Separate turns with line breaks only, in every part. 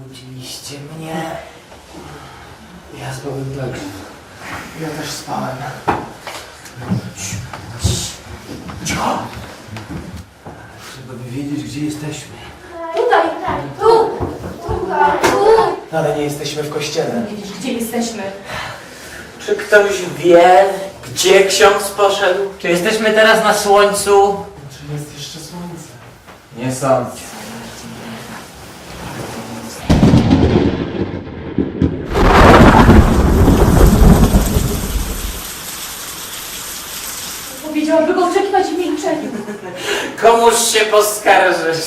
Budziliście mnie. Ja spałem tak. Ja też spałem. Cicho! Trzeba by wiedzieć, gdzie jesteśmy.
Tutaj, tu, tutaj, tu.
Ale nie jesteśmy w kościele.
Nie wiesz, gdzie jesteśmy?
Czy ktoś wie, gdzie ksiądz poszedł? Czy jesteśmy teraz na słońcu?
Czy jest jeszcze słońce?
Nie sądzę.
Powiedziałam, by go oczekiwać w milczeniu.
Komuż się poskarżysz?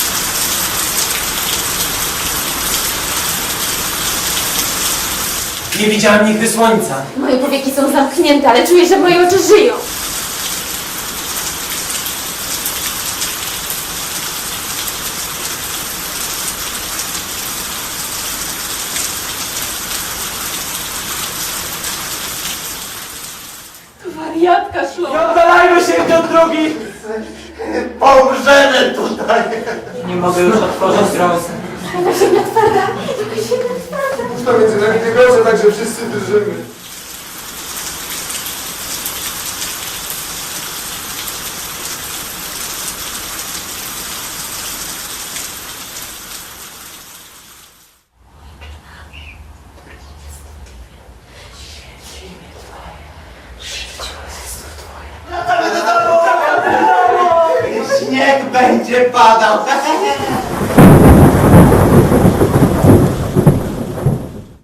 Nie widziałam nigdy słońca.
Moje powieki są zamknięte, ale czuję, że moje oczy żyją. Wariatka szło.
Nie oddalajmy się jeden od drugi!
Pomrzemy tutaj! Nie mogę już otworzyć rąk.
Jaka ziemia twarda, jaka ziemia twarda.
Już to między nami tygodnie, także wszyscy drżymy.
Śnieg będzie padał.